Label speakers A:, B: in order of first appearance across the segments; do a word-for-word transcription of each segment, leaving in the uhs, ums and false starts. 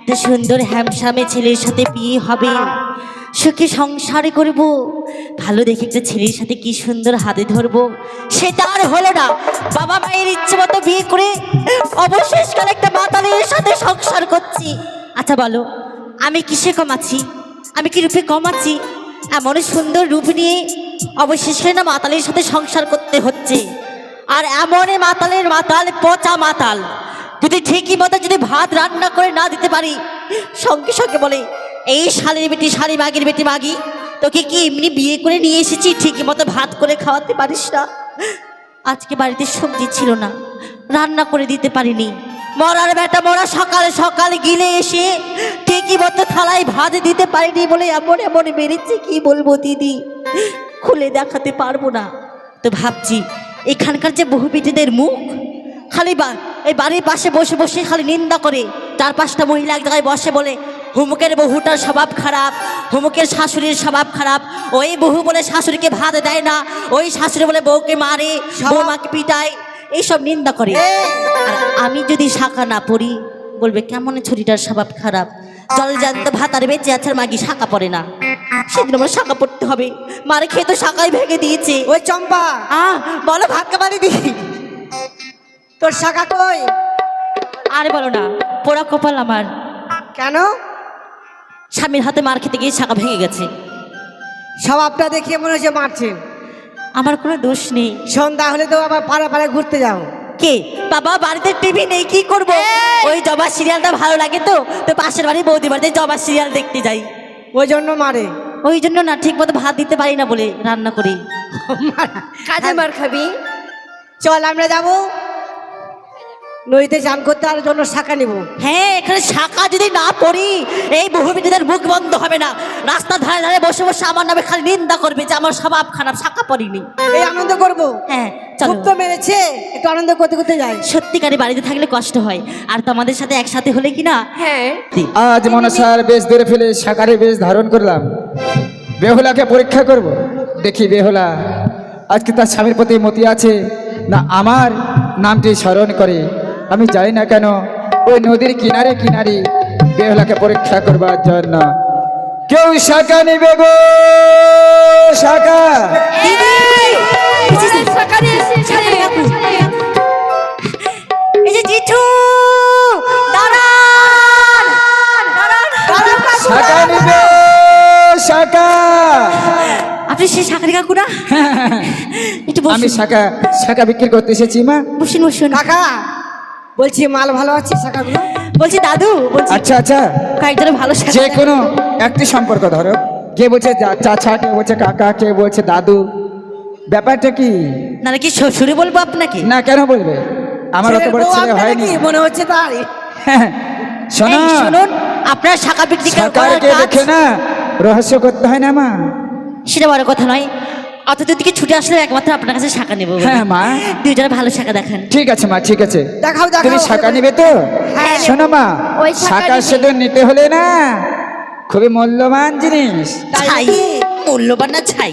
A: এত সুন্দর হ্যামসামে ছেলের সাথে বিয়ে হবে, সুখে সংসারে করব, ভালো দেখে একটা ছেলের সাথে কি সুন্দর হাতে ধরবো, সেটা আর হলো না। বাবা মায়ের ইচ্ছে মতো বিয়ে করে অবশেষকালে একটা মাতালের সাথে সংসার করছি। আচ্ছা বলো, আমি কিসে কমাচ্ছি? আমি কি রূপে কমাচ্ছি? এমন সুন্দর রূপ নিয়ে অবশেষে না মাতালের সাথে সংসার করতে হচ্ছে। আর এমন মাতালের মাতাল, পচা মাতাল, যদি ঠিকই মতো যদি ভাত রান্না করে না দিতে পারি, সঙ্গে সঙ্গে বলে এই শালির বেটি শালি, মাগির বেটি মাগি, তোকে কি এমনি বিয়ে করে নিয়ে এসেছি, ঠিকই মতো ভাত করে খাওয়াতে পারিস না? আজকে বাড়িতে সবজি ছিল না, রান্না করে দিতে পারিনি। মরার বেটা মরা সকালে সকালে গিলে এসে ঠিকই মতো থালায় ভাত দিতে পারিনি বলে এমন এমন বেড়েছে, কি বলবো দিদি, খুলে দেখাতে পারবো না। তো ভাবছি এখানকার যে বহু বেটিদের মুখ খালি বা এই বাড়ির পাশে বসে বসে খালি নিন্দা করে, চার পাঁচটা মহিলা এক জায়গায় বসে বলে হুমুকের বহুটার স্বভাব খারাপ, হুমুকের শাশুড়ির স্বভাব খারাপ, ওই বহু বলে শাশুড়িকে ভাত দেয় না, ওই শাশুড়ি বলে বউকে মারে, বৌমাকে পিটায়, এইসব নিন্দা করে। আর আমি যদি শাখা না পড়ি বলবে কেমন ছুরিটার স্বভাব খারাপ, জল জান্ত ভাত আর বেঁচে আছে, মাগি শাখা পড়ে না। সেদিন আমার শাখা পড়তে হবে, মারে খেয়ে তো শাখাই ভেঙে দিয়েছে।
B: ওই চম্পা,
A: আহ বলো ভাগ্য বাড়ি দি,
B: তোর শাখা কই?
A: আরে বলো না, পোড়া কপাল আমার।
B: কেন?
A: স্বামীর হাতে মার খেতে গিয়ে শাখা ভেঙে গেছে।
B: স্বভাবটা দেখিয়ে মনে হচ্ছে মারছে।
A: আমার কোনো দোষ নেই।
B: সন্ধ্যা হলে তো আবার পাড়া পাড়া ঘুরতে যাও।
A: কে বাবা, বাড়িতে টিভি নেই, কি করব? ওই জবা সিরিয়ালটা ভালো লাগে তো, তো পাশের বাড়ি বৌদি বাড়িতে জবা সিরিয়াল দেখতে যাই,
B: ওই জন্য মারে।
A: ওই জন্য না, ঠিক মতো ভাত দিতে পারি না বলে রান্না করি।
B: কাজে মার খাবি? চল আমরা যাবো নদীতে চান করতে, আর জন্য শাখা নিব।
A: হ্যাঁ, এখানে শাখা যদি না পড়ি এই বহু বেটিদের মুখ বন্ধ হবে না। রাস্তার ধারে ধারে বসে বসে আমার নামে খালি নিন্দা করবে যে আমার স্বভাব খারাপ, শাখা পড়িনি।
B: এই আনন্দ করবো।
A: হ্যাঁ চলো,
B: খুব তো মেরেছে, একটু আনন্দ করতে করতে যাই।
A: সত্যিকারে বাড়িতে থাকলে কষ্ট হয়, আর তোমাদের সাথে একসাথে হলে কি না।
B: হ্যাঁ,
C: আজ মনসার বেশ ধরে ফেলে সাকারে বেশ ধারণ করলাম, বেহুলাকে পরীক্ষা করব। দেখি বেহুলা আজকে তার স্বামীর প্রতি মতি আছে না আমার নামটি স্মরণ করে। আমি জানি না কেন ওই নদীর কিনারে কিনারে বেহুলাকে পরীক্ষা করবার জন্য কেউ শাখা নিবে গো, শাখা।
A: এই যে জিঠু, দাঁড়ান,
C: শাখা নিবে, শাখা।
A: আপনি সেই শাকারি কাকু না? একটু
C: আমি
A: বসুন,
C: শাখা শাখা বিক্রি করতে এসেছি মা।
A: বসুন বসুন।
B: কাকা বলছি মাল ভালো আছে শাখাগুলো?
A: বলছি দাদু, বলছি
C: আচ্ছা আচ্ছা,
A: কয়েকজনের ভালো শাখা
C: যে
A: দেখান।
C: কোনো একটি সম্পর্ক ধরো, কে বলছে চা- চাচা, কে বলছে কাকা, কে বলছে দাদু, ব্যাপারটা কি?
A: নাহলে কি শ্বশুরে বলবো আপনাকে?
C: না কেন বলবে, আমার অত
B: ছেলের
C: বড়
B: বউ
C: ছেলে
B: আপনার
C: হয়নি।
B: নাকি? মনে হচ্ছে তাই।
C: শোনো,
A: এই শুনুন, আপনার শাখা বিক্রি করার
C: সরকারকে
A: কাজ,
C: দেখে না রহস্য করতে হয় না মা।
A: সেটা বড় কথা নয়, অত দূর থেকে ছুটে আসলে একমাত্র আপনার কাছে শাখা নেবো বলে।
C: হ্যাঁ মা,
A: দুজনে ভালো শাখা দেখান।
C: ঠিক আছে মা, ঠিক আছে।
B: দেখাও
C: তুমি
B: দেখাও।
C: শাখা নিবে তো?
B: হ্যাঁ,
C: শোনো মা,
A: ওই শাঁখা
C: শাখা
A: নিবে।
C: শুধু নিতে হলে না খুবই মূল্যবান জিনিস।
B: তাই
A: ছাই,
B: নাকি?
A: মূল্যবান না ছাই।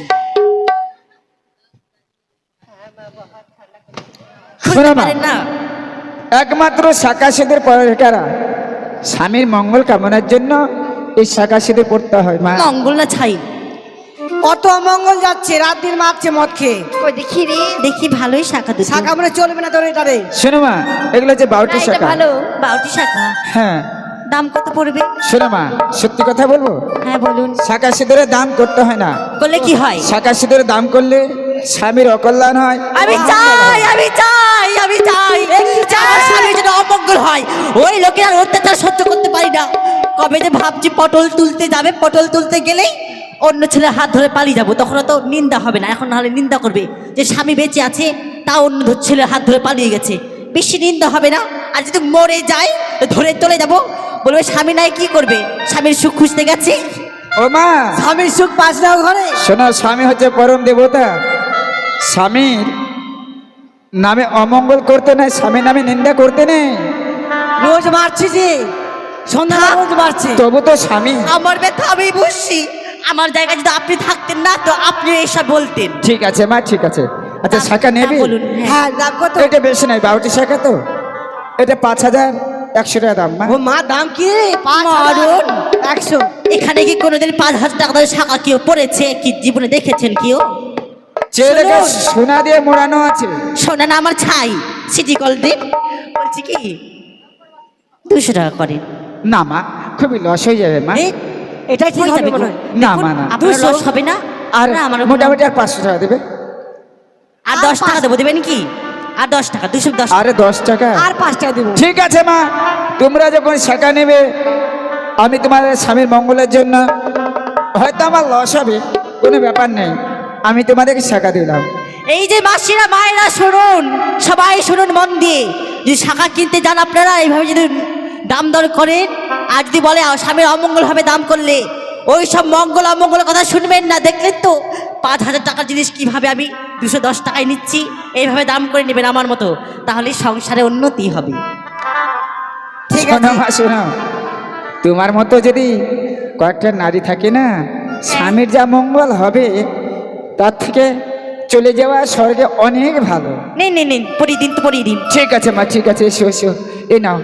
C: শোনো
A: খুলতে
C: মা,
A: পারেন না?
C: একমাত্র শাখা সিঁদুর পরে কারা? স্বামীর মঙ্গল কামনার জন্য এই শাখা সিঁদুর পড়তে হয় মা।
A: মঙ্গল না ছাই?
B: কত অমঙ্গল যাচ্ছে, রাত দিন মারছে মদ খেয়ে।
A: ওই দেখি রে, দেখি ভালোই শাখা দুটো।
B: শাখা মনে চলবে না তোর এটারে।
C: শোনো মা, এগুলো যে বাউটি শাখা।
A: বাউটি শাখা,
C: হ্যাঁ
A: দাম কত পড়বে?
C: শোনো মা, সত্যি কথা বলবো,
A: হ্যাঁ বলুন।
C: শাখা সিঁদুরের দাম করতে হয় না।
A: করলে কি হয়?
C: শাখা সিঁদুরের দাম করলে স্বামীর অকল্যাণ হয়।
A: আমি চাই, আমি চাই, আমি চাই যে আমার স্বামীর যেন অমঙ্গল হয়। ওই লোকের আর অত্যাচার সহ্য করতে পারি না। কবে যে ভাবছি পটল তুলতে যাবে, পটল তুলতে গেলেই অন্য ছেলের হাত ধরে পালিয়ে যাবো, তখন তো নিন্দা হবে না। এখন নাহলে নিন্দা করবে যে স্বামী বেঁচে আছে, তা অন্য ছেলের হাত ধরে পালিয়ে গেছে, বেশি নিন্দা হবে না। আর যদি মরে যায় ধরে চলে যাব, বলবে স্বামী নাই কি করবে, স্বামীর সুখ খুঁজতে গেছে।
C: ও মা,
B: স্বামীর সুখ পাস না ঘরে।
C: শোনো, স্বামী হচ্ছে পরম দেবতা। স্বামীর নামে অমঙ্গল করতে নেই, স্বামীর নামে নিন্দা করতে নেই।
B: রোজ মারছি যে, সন্ধ্যা রোজ মারছে।
C: তবু তো স্বামী।
A: আমার ব্যথা আমি বুঝছি, আমার জায়গায় যদি আপনি থাকতেন না তো আপনি এসব বলতেন।
C: ঠিক আছে মা, ঠিক আছে। আচ্ছা,
A: দাম-
C: শাখা নেবি?
A: দাম বলুন। হ্যাঁ।
B: হ্যাঁ, দাম কত?
C: এটা বেশি নাই, বাউটি শাখা তো। এটা পাঁচ হাজার একশো টাকা দাম মা।
B: ও মা দাম কি রে? পাঁচ
A: মারুন।
B: একশো।
A: এখানে কি কোনোদিন পাঁচ হাজার টাকা ধরে শাখা কেউ পড়েছে কি জীবনে দেখেছেন কেউ?
C: চেয়ে দেখে সোনা দিয়ে মোড়ানো আছে।
A: শোনা না আমার ছাই সিটি কলদিন বলছি কি দুশো টাকা করেন।
C: না মা, খুবই লস হয়ে যাবে মা।
B: এই, এটাই ঠিক
A: হয়ে
B: হবে
A: যাবে
B: মনে
A: গো।
B: হয়।
C: না
A: দেখুন,
C: মা না,
A: আপনার
B: দুশো।
A: লস হবে না
C: আর
A: না আমার
C: মোটামুটি আর পাঁচশো টাকা দেবে।
A: আর দশ টাকা দেবো দেবেন কি? আর দশ টাকা দুশো দশ
C: আরে দশ টাকা
B: আর পাঁচ টাকা দেবো।
C: ঠিক আছে মা, তোমরা যখন শাখা নেবে আমি তোমাদের স্বামীর মঙ্গলের জন্য, হয়তো আমার লস হবে, কোনো ব্যাপার নেই, আমি তোমাদেরকে শাখা দিলাম।
A: এই যে মাসিরা মায়েরা শুনুন, সবাই শুনুন মন দিয়ে, যদি শাখা কিনতে যান আপনারা এইভাবে যদি দাম দর করেন আর যদি বলে আ, স্বামীর অমঙ্গল হবে দাম করলে, ওই সব মঙ্গল অমঙ্গলের কথা শুনবেন না। দেখলেন তো পাঁচ হাজার টাকার জিনিস কিভাবে আমি দুশো দশ টাকায় নিচ্ছি, এইভাবে দাম করে নেবেন আমার মতো, তাহলে সংসারে উন্নতি হবে।
B: ঠিক
C: শোনো
B: আছে।
C: মা শোনো, তোমার মতো যদি কয়েকটা নারী থাকে না, স্বামীর যা মঙ্গল হবে তার থেকে চলে যাওয়া স্বর্গে অনেক ভালো।
A: নিন নিন নিন পরিয়ে দিন তো পরিয়ে দিন।
C: ঠিক আছে মা, ঠিক আছে, এসো এসো, এই নাও।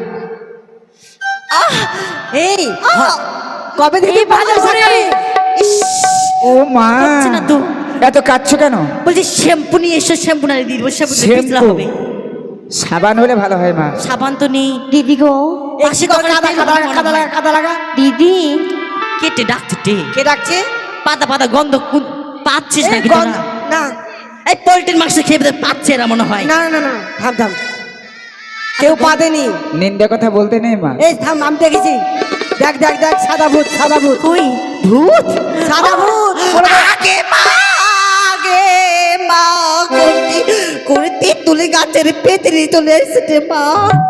B: এই কবে থেকে
A: এই ভালো করে। ইস,
C: ও মা,
A: হচ্ছে না তো।
C: এত কাঁদছো কেন?
A: বলছি শ্যাম্পু নিয়ে এসো, শ্যাম্পু না দিয়ে দেবো, শ্যাম্পু দিয়ে পিছলা
C: শ্যাম্পু?
A: হবে।
C: সাবান হলে ভালো হয় মা।
A: সাবান তো নেই।
D: দিদি গো,
A: মাসি কখন
B: কাদা কাদা লাগা, কাদা লাগা, কাদা লাগা।
D: দিদি
A: কেটে ডাকছে টে
B: কে ডাকছে?
A: পাতা পাতা গন্ধ কু- পাচ্ছিস
B: এই
A: নাকি
B: গন্ধ-
A: তোরা?
B: না
A: এই পোল্ট্রির মাংস খেয়ে বোধহয় পাচ্ছে এরা মনে হয়।
B: না না না, থাম থাম, কেউ পাদেনি।
C: নিন্দা কথা বলতে নেই মা।
B: এই থাম, আমি দেখেছি। দেখ দেখ দেখ, সাদা ভূত, সাদা ভূত,
A: কই ভূত?
B: সাদা ভূত।
A: আগে মা, আগে মা করতি করতি তুলে গাছের পেতনি চলে এসেছে মা।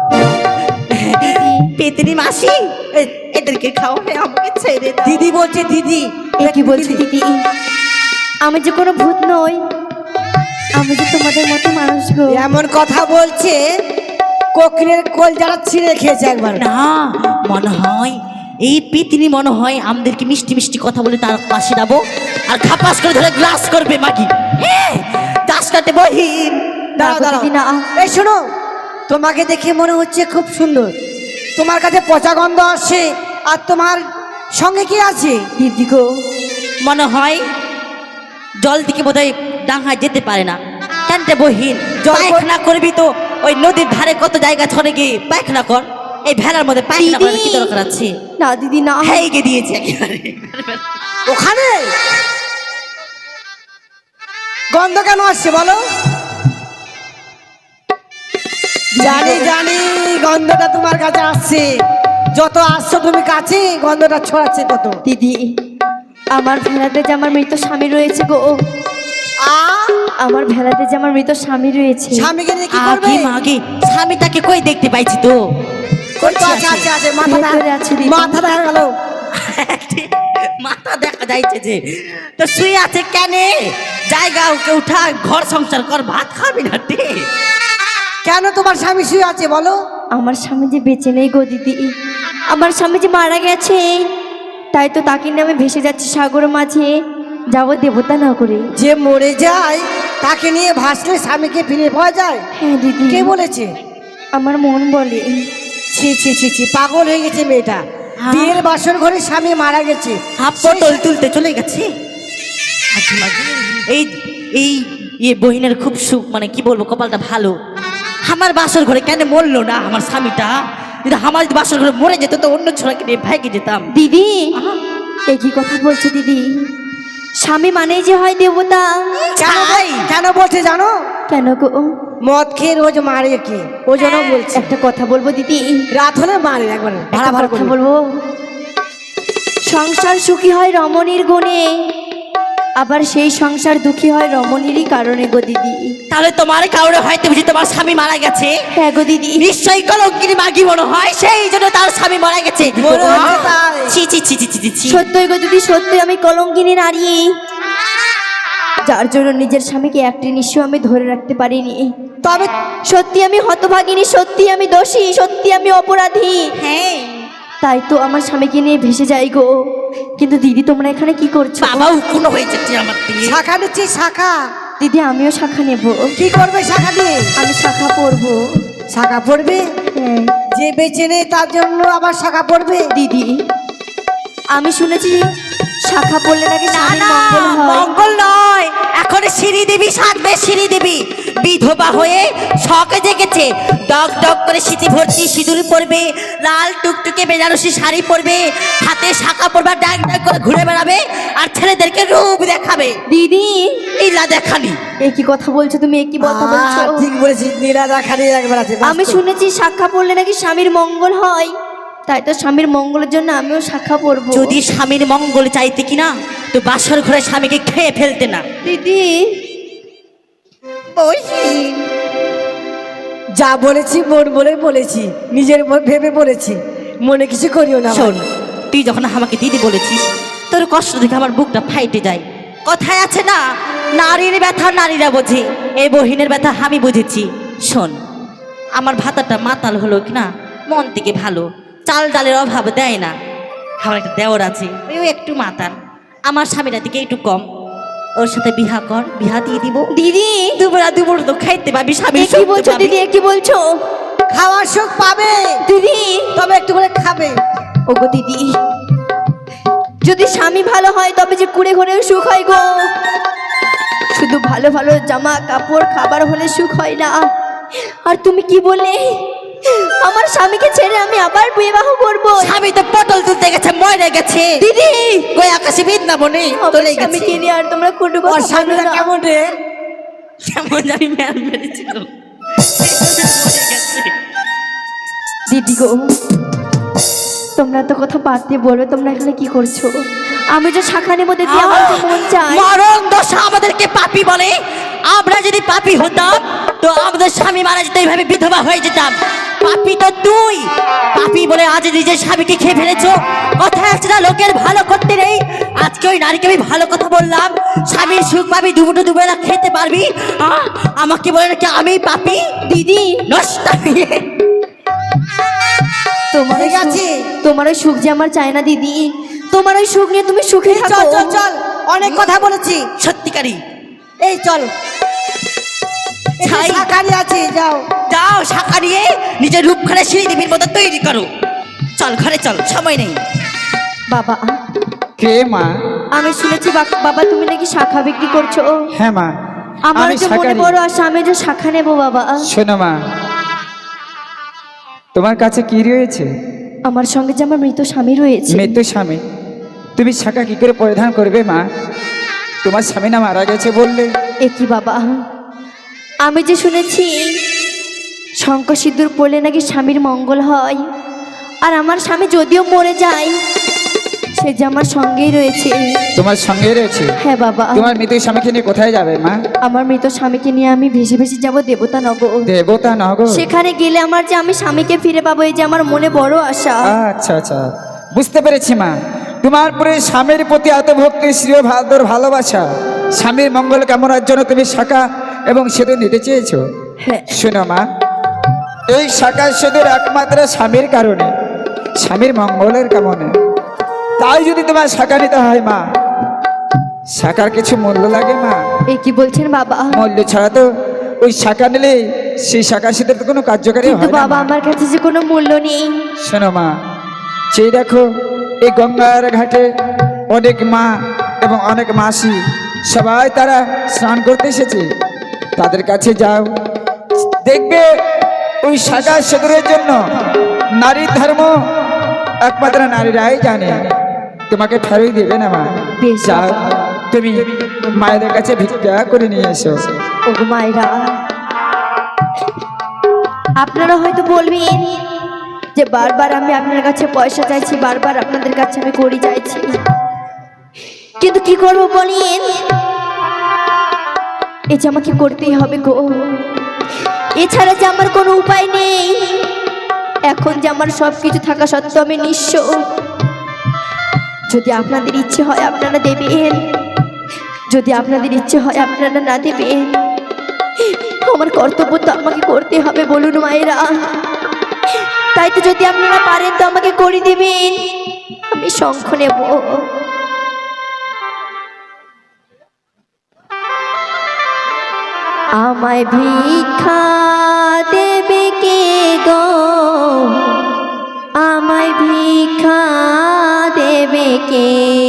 A: পেতনি মাসি, এই, এদেরকে খাওয়াবে, আমাকে ছেড়ে দাও।
B: দিদি বলছে দিদি।
D: এ কি বলছি দিদি? আমি যে কোনো ভূত নই, আমি যে তোমাদের মতো মানুষ গো।
B: এমন কথা বলছে, কোকিলের কোল যারা ছিঁড়ে খেয়েছে একবার।
A: না মনে হয় এই পেতনি মনে হয় আমাদেরকে মিষ্টি মিষ্টি কথা বলে তার পাশে যাবো আর খাপাস করে ধরে গ্লাস করবে মাগি। দাস কাটে বহিন।
B: দাঁড়াও
D: না গো
B: দাঁড়াও,
D: দিদি, না।
B: এই শোনো, তোমাকে দেখে মনে হচ্ছে খুব সুন্দর, তোমার কাছে পচা গন্ধ আসছে, আর তোমার সঙ্গে কি আছে?
D: দিদি গো,
A: মনে হয় জল থেকে বোধহয় ডাঙায় যেতে পারে না। কেনতে বহিন
B: জল কই-
A: পায়খানা করবি তো ওই নদীর ধারে কত জায়গা ছড়ে গিয়ে পায়খানা কর, এই ভেলার মধ্যে পায়খানা করার কি দরকার আছে?
D: না দিদি না।
A: হ্যাঁ গিয়ে দিয়েছে একেবারে।
B: ওখানে গন্ধ কেন আসছে বলো? জানি জানি গন্ধটা তোমার কাছে আসছে, যত আসছো তুমি কাছে গন্ধটা ছড়াচ্ছে তত।
D: দিদি, আমার ভেলাতে যে আমার মৃত স্বামী রয়েছে গো,
B: আ
D: আমার ভেলাতে যে আমার মৃত স্বামী রয়েছে।
B: স্বামীকে নিয়ে কি করবে?
A: আগে মাগে স্বামীটাকে কই দেখতে পাইছি তো।
B: কই তো আছে আছে আছে, মাথাটা
D: ভেতরে আছে দিদি।
B: মাথা দেখা গেল।
A: মাথা দেখা যাইছে যে, তো শুয়ে আছে কেন? জায়গা ওকে উঠা, ঘর সংসার কর, ভাত খাবি না টে।
B: কেন তোমার স্বামী শুয়ে আছে বলো?
D: আমার স্বামী যে বেঁচে নেই গো দিদি, আমার স্বামী যে মারা গেছে, তাই তো তাকে নিয়ে আমি ভেসে যাচ্ছি সাগর মাঝে, যাব দেবতা না করে।
B: যে মরে যায় তাকে নিয়ে ভাসলে স্বামীকে ফিরে পাওয়া যায়?
D: হ্যাঁ দিদি,
B: কে বলেছে?
D: আমার মন বলে।
B: ছি ছি ছি ছি, পাগল হয়ে গেছে মেয়েটা।
A: হ্যাঁ।
B: বিয়ের বাসর ঘরে স্বামী মারা গেছে,
A: হাফ পটল তুলতে চলে গেছে। আচ্ছা, মাগি, এই এই ইয়ে বহিনের খুব সুখ, মানে কি বলবো, কপালটা ভালো। আমার বাসর ঘরে কেন মরলো না আমার স্বামীটা? যদি আমার যদি বাসর ঘরে মরে যেত তো অন্য ছোড়াকে নিয়ে ভাইকে যেতাম।
D: দিদি, এ কি কথা বলছো দিদি? স্বামী মানেই যে হয় দেবতা।
B: কেন বল-
A: ছাই।
B: কেন বলছে জানো?
D: কেন গো?
B: মদ খেয়ে রোজ মারে কে, ওই জন্য বলছে।
D: একটা কথা বলবো দিদি,
B: রাত হলে মারে একবার ভাড়া
D: একটা
B: ভাড়া
D: কথা
B: করে।
D: বলবো। সংসার সুখী হয় রমণীর গুণে, আবার সেই সংসার দুঃখী হয় রমণীরই কারণে গো দিদি।
A: তাহলে তোমার কারণে হয়তো বুঝি তোমার স্বামী মারা গেছে।
D: হ্যাঁ গো দিদি,
A: নিশ্চয়ই কলঙ্কিনী মাগি মনে হয়, সেই জন্য তার স্বামী মারা গেছে।
B: মনে হচ্ছে তাই।
A: ছি ছি ছি ছি ছি ছি ছি।
D: সত্যই গো দিদি, সত্যি আমি কলঙ্কিনী নারী, যার জন্য নিজের স্বামীকে একটি নিঃস্ব আমি ধরে রাখতে পারিনি।
B: তবে
D: সত্যি আমি হতভাগিনী, সত্যি আমি দোষী, সত্যি আমি অপরাধী।
A: হ্যাঁ
D: তাই তো আমার স্বামীকে নিয়ে ভেসে যাই গো। কিন্তু দিদি, তোমরা এখানে কি করছো?
A: বাবা উকুনো হয়ে যাচ্ছে আমার দিয়ে।
B: শাখা নিচ্ছি, শাখা।
D: দিদি, আমিও শাখা নেব।
B: কি করবে শাখা দিয়ে?
D: আমি শাখা পরবো।
B: শাখা পড়বে?
D: হ্যাঁ।
B: যে যে বেঁচে নেই তার জন্য আবার শাখা পড়বে?
D: দিদি আমি শুনেছি শাখা পড়লে নাকি
A: না
D: স্বামীর
A: না
D: মঙ্গল হয়।
A: মঙ্গল নয়, এখন সিঁড়ি দেবী সাজবে, সিঁড়ি দেবী বিধবা হয়ে শখে জেগেছে, ডক ডক করে সিঁথি ভর্তি সিঁদুর পরবে, লাল টুকটুকে বেনারসি শাড়ি পরবে, হাতে শাখা পরবে, ডাক ডাক করে ঘুরে বেড়াবে আর ছেলেদেরকে রূপ দেখাবে।
D: দিদি
A: ইলা দেখানি
D: এ কি কথা বলছো তুমি, এ কি কথা বলছো?
B: আহ, ঠিক বলেছিস, নীলা দেখানি একবার আছে।
D: আমি শুনেছি শাখা পড়লে নাকি স্বামীর মঙ্গল হয়, তাই তো স্বামীর মঙ্গলের জন্য আমিও শাখা পড়বো।
A: যদি স্বামীর মঙ্গল চাইতে কিনা তো বাসর ঘরে স্বামীকে খেয়ে ফেলতে না।
D: দিদি
B: যা বলেছি মন বলে বলেছি, নিজের মন ভেবে বলেছি, মনে কিছু করিও না।
A: শোন, তুই যখন আমাকে দিদি বলেছিস তোর কষ্ট দেখে আমার বুকটা ফাইটে যায়। কথায় আছে না, নারীর ব্যথা নারীরা বোঝে, এই বহিনের ব্যথা আমি বুঝেছি। শোন, আমার ভাতাটা মাতাল হলো কিনা মন থেকে ভালো, চাল ডালের অভাব দেয় না। আমার একটা দেওর আছে, ওই একটু মাতাল, আমার স্বামীরা থেকে একটু কম, ওর সাথে বিহা কর, বিহা দিয়ে দিব।
D: দিদি
A: দুবেলা দুপুর তো খাইতে পাবি, স্বামী
D: এ কি বলছো দিদি, এ কি বলছো?
B: খাওয়ার সুখ পাবে
D: দিদি
B: তবে একটু করে খাবে।
D: ওগো দিদি, যদি স্বামী ভালো হয় তবে যে কুড়ে ঘরেও সুখ হয় গো। শুধু ভালো ভালো জামা কাপড় খাবার হলে সুখ হয় না। আর তুমি কি বললে, আমার স্বামীকে ছেড়ে আমি আবার বিবাহ করব?
A: স্বামী তো পটল তুলতে গেছে, মরে গেছে
D: দিদি
A: কই আকাশে বৃন্দাবনে
D: আমার
A: চলে গেছে।
D: স্বামীকে নিয়ে আর তোমরা কোনো
B: ওর
D: কথা বলো
B: স্বামীরা
D: না।
B: কেমন রে?
A: কেমন জানি ম্যাল মেরেছিল, মরে গেছে।
D: দিদি গো, তোমরা তো কথা বাদ দিয়ে বলো, তোমরা এখানে কি করছো? আমি যে শাখা নেবো দিদি, আমার যে মন চায়।
A: মরণ দশা আমাদেরকে পাপী বলে। আমরা যদি পাপী হতাম তো আমাদের স্বামী মারা যেত, এইভাবে বিধবা হয়ে যেতাম। পাপী তো তুই, পাপী বলে আজ নিজের স্বামীকে খেয়ে ফেলেছো। কথা আছে না, লোকের ভালো করতে নেই। আজকে ওই নারীকে আমি ভালো কথা বললাম, স্বামীর সুখ পাবি, দুপুটো দুবেলা খেতে পারবি, আহ, আমাকে বলে নাকি আমি পাপী।
D: দিদি
A: নষ্ট
D: তোমার ওই
B: ঠিক আছে।
D: সুখ- তোমার ওই সুখ যে আমার চায় না দিদি, তোমার ওই সুখ নিয়ে তুমি সুখে
B: চল
D: থাকো।
B: চল চল, অনেক কথা বলেছি।
A: সত্যিকারী।
B: এই চল,
A: ছাই।
B: শাকারি আছে, যাও।
A: যাও শাখা নিয়ে নিজের রূপখানে সিঁড়ি দেবীর মতো তৈরি করো। চল ঘরে চল, সময় নেই।
D: বাবা
C: কে মা?
D: আমি শুনেছি বা- বাবা তুমি নাকি শাখা বিক্রি করছো।
C: হ্যাঁ মা,
D: আমার
C: আমি
D: যে মনে
C: শাকারি।
D: বড় আশা, আমি যে শাখা নেবো বাবা।
C: শোনো মা, তোমার কাছে কি রয়েছে?
D: আমার সঙ্গে যে আমার মৃত স্বামী রয়েছে।
C: মৃত্যু স্বামী, তুমি শাখা কি করে পরিধান করবে মা? তোমার স্বামী না মারা গেছে বললে।
D: এ কি বাবা, আমি যে শুনেছি শঙ্কর সিঁদুর পড়লে নাকি স্বামীর মঙ্গল হয়, আর আমার স্বামী যদিও মরে যায় সে যে আমার সঙ্গেই রয়েছে।
C: তোমার সঙ্গে রয়েছে?
D: হ্যাঁ বাবা,
C: তোমার মৃত্যু স্বামীকে নিয়ে কোথায় যাবে মা?
D: আমার মৃত স্বামীকে নিয়ে আমি ভেসে ভেসে যাব দেবতা নগর।
C: দেবতা নগর?
D: সেখানে গেলে আমার যে আমি স্বামীকে ফিরে পাবো, এই যে আমার মনে বড় আশা।
C: আচ্ছা আচ্ছা, বুঝতে পেরেছি মা। তোমার পরে স্বামীর প্রতি এত ভক্তি, শ্রী ভাদর ভালোবাসা, স্বামীর মঙ্গল কামনার জন্য তুমি শাখা এবং সেতু নিতে চেয়েছো।
D: হ্যাঁ
C: শোনো মা, এই শাখা সেতুর একমাত্র স্বামীর কারণে, স্বামীর মঙ্গলের কামনে। তাই যদি তোমার শাখা নিতে হয় মা, শাখার কিছু মূল্য লাগে মা।
D: এ কি বলছেন বাবা?
C: মূল্য ছাড়া তো ওই শাখা নিলে সেই শাখা সেতুর তো কোনো কার্যকারী
D: কিন্তু
C: হয় না
D: বাবা
C: মা।
D: আমার কাছে যে কোনো মূল্য নেই।
C: শোনো মা, সেই দেখো এই গঙ্গার ঘাটে অনেক মা এবং অনেক মাসি সবাই তারা স্নান করতে এসেছে, তাদের কাছে যাও, দেখবে ওই শাখা সেতুরের জন্য নারীর ধর্ম একমাত্র নারীরাই জানে, তোমাকে ফেরই দেবে না মা।
D: বেশ
C: যাও,
D: বাবা।
C: তুমি মায়েদের কাছে ভিক্ষা করে নিয়ে এসো।
D: ওগো মায়েরা, আপনারা হয়তো বলবেন যে বারবার আমি আপনার কাছে পয়সা চাইছি, বারবার আপনাদের কাছে আমি করি চাইছি, কিন্তু কি করবো বলেন, এই যে আমাকে করতেই হবে গো, এছাড়া যে আমার কোনো উপায় নেই। এখন যে আমার সব কিছু থাকা সত্ত্বেও আমি নিঃস্ব। যদি আপনাদের ইচ্ছে হয় আপনারা দেবেন, যদি আপনাদের ইচ্ছে হয় আপনারা না দেবেন, আমার কর্তব্য তো আমাকে করতে হবে বলুন মায়েরা। তাই তো যদি আপনারা পারেন তো আমাকে করে দিবেন, আমি শঙ্খ নেব। আমায় ভিক্ষা দেবে কে গো? আমায় ভিক্ষা দেবে কে?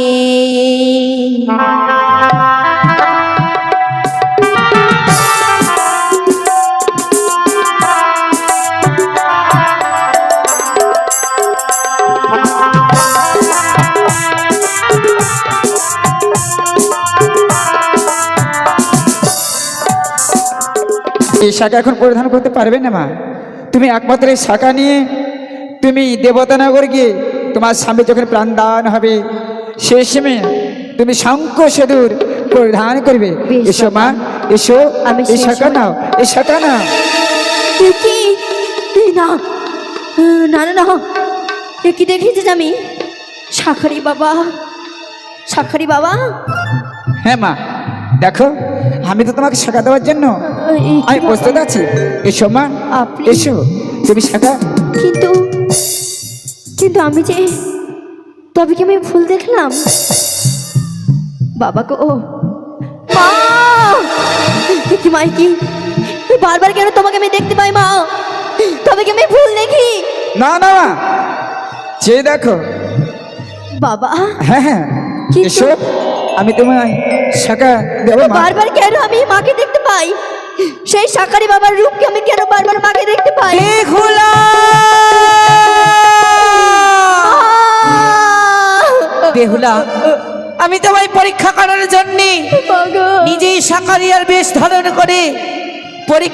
C: এই শাখা এখন পরিধান করতে পারবে না মা। তুমি একমাত্র এই শাখা নিয়ে তুমি দেবতানগর গিয়ে তোমার স্বামী যখন প্রাণ দান হবে সেই সময় তুমি শঙ্খ সিঁদুর পরিধান করবে।
D: বেশ
C: এসো মা, এসো,
D: আমি
C: এই
D: সেই
C: শাখা
D: সময়-
C: নাও, এই শাখা নাও।
D: এ কি? এ না না না না, এ কি দেখেছি আমি? শাখারি বাবা, শাখারি বাবা,
C: হ্যাঁ মা, দেখো আমি তো তোমাকে শাখা দেওয়ার জন্য
D: এই কি
C: আমি
D: বাবা?
C: প্রস্তুত আছি। এসো মা,
D: আপনি?
C: এসো, তুমি শাখা।
D: কিন্তু কিন্তু আমি যে, তবে কি আমি ভুল দেখলাম? বাবা গো, মা! এ কি মাই কি? বারবার কেন তোমাকে আমি দেখতে পাই মা? তবে কি আমি ভুল দেখি?
C: না না মা, যে দেখো।
D: বাবা,
C: হ্যাঁ হ্যাঁ,
D: কিন্তু-
C: এসো, আমি তোমায় শাখা দেবো মা।
D: বারবার কেন আমি মাকে দেখতে পাই? সেই শাকারি বাবার রূপকে আমি কেন বারবার মাকে দেখতে পাই?
B: বেহুলা! বেহুলা, আমি তোমায় পরীক্ষা করার জন্য
D: বাবা!
B: নিজেই সাকারিয়ার বেশ ধারণ করে পরীক্ষা